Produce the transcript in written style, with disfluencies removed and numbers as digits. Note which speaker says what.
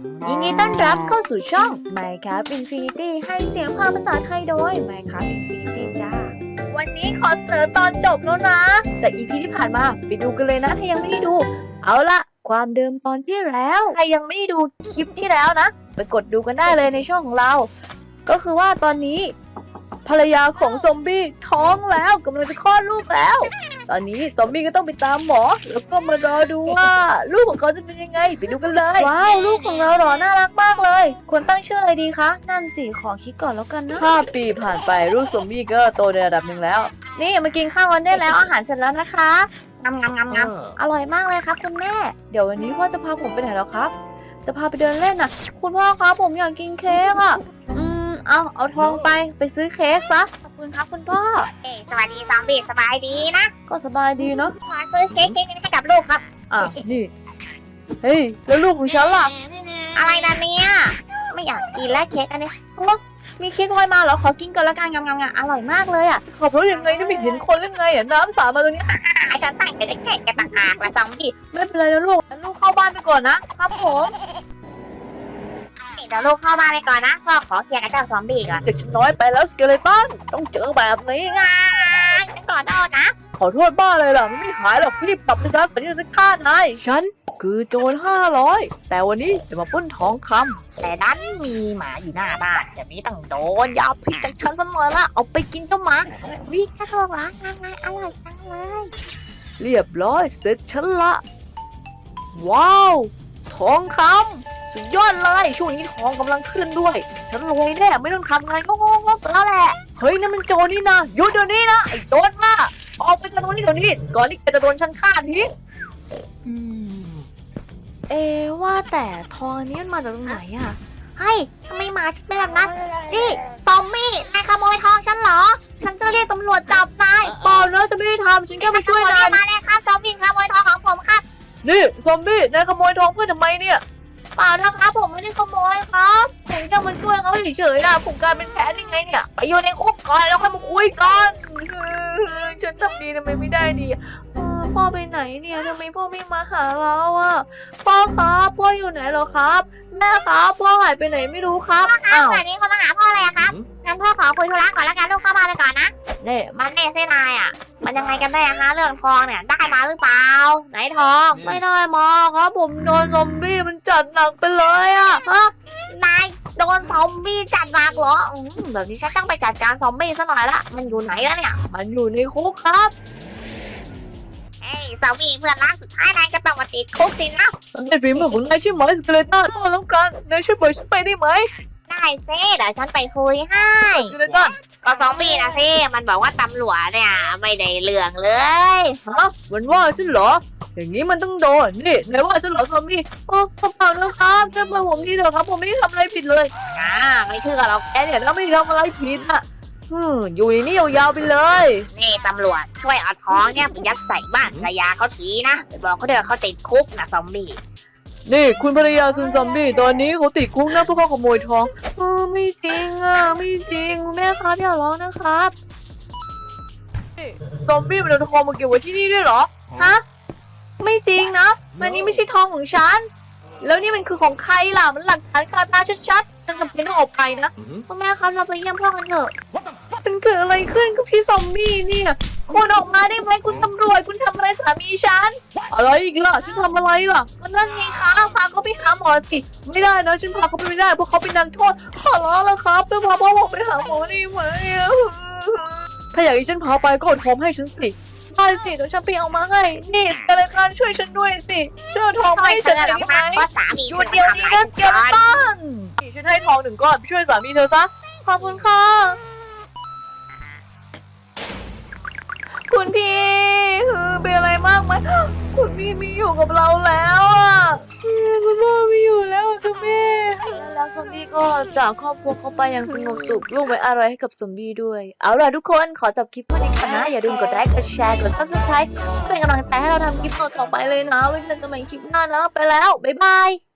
Speaker 1: ยินดีต้อนรับเข้าสู่ช่อง Minecraft Infinity ให้เสียงภาษาไทยโดย Minecraft Infinity จ้าวันนี้ขอเสนอตอนจบแล้วนะจาก EP ที่ผ่านมาไปดูกันเลยนะถ้ายังไม่ได้ดูเอาละความเดิมตอนที่แล้วใครยังไม่ได้ดูคลิปที่แล้วนะไปกดดูกันได้เลยในช่องของเราก็คือว่าตอนนี้ภรรยาของซอมบี้ท้องแล้วกำลังจะคลอดลูกแล้วตอนนี้ซอมบี้ก็ต้องไปตามหมอแล้วก็มารอดูว่าลูกของเขาจะเป็นยังไงไปดูกันเลยว้าวลูกของเราหรอน่ารักมากเลยควรตั้งชื่ออะไรดีคะนั่นสิขอคิดก่อนแล้วกันนะ5 ปีผ่านไปลูกซอมบี้ก็โตในระดับหนึ่งแล้วนี่มากินข้าวกันได้แล้วอาหารเสร็จแล้วนะคะงำอร่อยมากเลยครับคุณแม่เดี๋ยววันนี้พ่อจะพาผมไปไหนแล้วครับจะพาไปเดินเล่นน่ะคุณพ่อครับผมอยากกินเค้กอ่ะเอาทองไปซื้อเค้กซะขอบคุณครับคุณพ่อ
Speaker 2: สวัสดีซอมบี้สบายดีนะ
Speaker 1: ก็สบายดีเนาะ
Speaker 2: ขอซื้อเค้กนี้ให้กับลูกครับ
Speaker 1: นี่เฮ้ยแล้วลูกของฉันล่ะ
Speaker 2: อะไรนะเนี่ยไม่อยากกินแล้วเค้กอันนี้
Speaker 1: มีเค้กลอยมาเหรอขอกินกันละกันงำอร่อยมากเลยอ่ะขับรถยังไงนี่ไม่เห็นคนหรือไงอ่ะน้ำสาดมาตรงนี้
Speaker 2: ฉันตั้งใจจะแข่งกันต่างหากละซอมบี้
Speaker 1: ไม่เป็นไรนะลูกงั้นลูกเข้าบ้านไปก่อนนะครับผม
Speaker 2: เดี๋ยวลูกเข้าบ้านไปก่อนนะพ่อขอเคลียร์กับเจ้าซอมบี้ก่อน
Speaker 1: จากฉันน้อยไปแล้วสเกเลตันต้องเจอแบบนี้ไง
Speaker 2: ฉันขอโทษนะ
Speaker 1: ขอโทษบ้าเลยล่ะไม่หายหรอกรีบกลับไปซะก่อนที่จะฆ่านายฉันคือโจร500แต่วันนี้จะมาปล้นทองคำ
Speaker 2: แต่ดันมีหมาอยู่หน้าบ้านจะมีต้องโดน
Speaker 1: อย่าผิดจากฉันสักหน่อยละเอาไปกินเจ้าหมา
Speaker 2: วิ่งกระโดดล้างไงอร่อยจังเลย
Speaker 1: เรียบร้อยเสร็จฉันละว้าวทองคำสุดยอดเลยช่วงนี้ทองกำลังขึ้นด้วยฉันรวยแน่ไม่ต้องทำงานงงๆแล้วแหละเฮ้ยนั่นมันโจรนี่นะหยุดเดี๋ยวนี้นะไอ้โจรมาออกไปจากตรงนี้เดี๋ยวนี้ก่อนที่แกจะโดนฉันฆ่าทิ้งว่าแต่ทองอันนี้มันมาจากตรงไหนอะ
Speaker 2: เฮ้ยทำไมหมาฉันเป็นแบบนั้นนี่ซอมบี้นายขโมยทองฉันเหรอฉันจะเรียกตำรวจจับนาย
Speaker 1: เปล่านะจะไม่ได้ทำฉันแค่มาช่วยนาย
Speaker 2: มาเลยครับซอมบี้ขโมยทองของผมครับ
Speaker 1: นี่ซอมบี้นายขโมยทองเพื่อนทำไมเนี่ย
Speaker 2: เปล่านะครับผมไม่ได้ขโมยครับ
Speaker 1: ผมจะมาช่วยเขาเฉยๆนะผมกลายเป็นแพ้ยังไงเนี่ยไปอยู่ในคุกก่อนแล้วค่อยมาคุยกันฉันทำดีทำไมไม่ได้ดีพ่อไปไหนเนี่ยทำไมพ่อไม่มาหาเราอ่ะพ่อครับพ่ออยู่ไหนเหรอครับแม่ครับพ่อหายไปไหนไม่รู้ครับ
Speaker 2: อ้าววันนี้คนมาหาพ่อเลยครับงั้นพ่อขอคุยธุระก่อนแล้วกันลูกเข้ามาเลยก่อนนะ
Speaker 1: เนี่ย
Speaker 2: มันเน่เส้นนายอ่ะมันยังไงกันแน่ฮะเรื่องทองเนี่ยได้มาหรือเปล่าไหนทอง
Speaker 1: ไม่ได้มาครับผมโดนซอมบี้มันจัดหนักไปเลยอ่ะ
Speaker 2: นายโดนซอมบี้จัดหนักเหรอแบบนี้ฉันต้องไปจัดการซอมบี้ซะหน่อยละมันอยู่ไหนแล้วเนี่ย
Speaker 1: มันอยู่ในคุกครับ
Speaker 2: เฮ้ยซอมบี้เพื่อนรักสุดท้ายนายก็ต้องมาติดคุกสินะ
Speaker 1: มันเป็นฝีมือของนายใช่ไหมสเกเลตันพ่อแล้วกันนายช่วยปล่อยฉันไปได้ไหม
Speaker 2: ได้เซ่เดี๋ยวฉันไปคุยให้
Speaker 1: สเกเลตัน
Speaker 2: ก็ซอมบี้นะเซ่มันบอกว่าตำรวจเนี่ยไม่ได้เรื่องเลย
Speaker 1: มันว่าฉันเหรออย่างนี้มันต้องโดนนี่นายว่าฉันเหรอซอมบี้เปล่านะครับช่วยปล่อยผมทีเถอะครับผมไม่ได้ทำอะไรผิดเลย
Speaker 2: ไม่เชื่อหรอก
Speaker 1: แกเนี่ยถ้าไม่ทำอะไรผิดอ่ะอยู่นี่ยาวๆไปเลย
Speaker 2: นี่ตำรวจช่วยเอาท้องเนี่ยยัดใส่บ้านภรรยาเขาทีนะไปบอกเขาเดี๋ยวเขาติดคุกนะซอมบี้
Speaker 1: นี่คุณภรรยาซุนซอมบี้ตอนนี้เขาติดคุกนะเพราะเขาขโมยทองไม่จริงไม่จริงแม่ครับอย่าร้องนะครับซอมบี้มันเอาทองมาเก็บไว้ที่นี่ด้วยเหรอฮะไม่จริงนะมันนี่ไม่ใช่ทองของฉันแล้วนี่มันคือของใครล่ะมันหลักฐานคาตาชัดๆฉันจำเป็นต้องออกไปนะ
Speaker 2: คุณแม่ครับเราไปเยี่ยมพ่อกันเถอะ
Speaker 1: มันเกิดอะไรขึ้นกับพี่ซอมบี้เนี่ยคุณออกมาได้ไหมคุณตำรวจคุณทำอะไรสามีฉันอะไรอีกล่ะฉันทำอะไรล่ะ
Speaker 2: ก็นั่นไงคะพาเขาไปหาหมอสิ
Speaker 1: ไม่ได้นะฉันพาเขาไปไม่ได้เพราะเขาเป็นนักโทษขอร้องแล้วครับแล้วพาพ่อผมไปหาหมอได้ไหมถ้าอยากให้ฉันพาไปก็อดทองให้ฉันสิได้สิเดี๋ยวฉันไปเอามาให้นี่สเกเลตันช่วยฉันด้วยสิช่วยทองให้ฉันได้ไหม
Speaker 2: หยุ
Speaker 1: ดเดี๋ยวนี้นะสเกเลตันฉันให้ทอง1 ก้อนไปช่วยสามีเธอซะขอบคุณค่ะคุณพี่เป็นอะไรมากไหมคุณพี่ไม่อยู่กับเราแล้วคุณพ่อไม่อยู่แล้วคุณแม่แล้วซอมบี้ก็จากครอบครัวเขาไปอย่างสงบสุขลูกไว้อะไรให้กับซอมบี้ด้วยเอาล่ะทุกคนขอจบคลิปเพื่อนี้ก่อนนะอย่าลืมกดไลค์กดแชร์กด Subscribe เป็นกำลังใจให้เราทำคลิปต่อไปเลยนะไว้เจอกันใหม่คลิปหน้านะไปแล้วบ๊ายบาย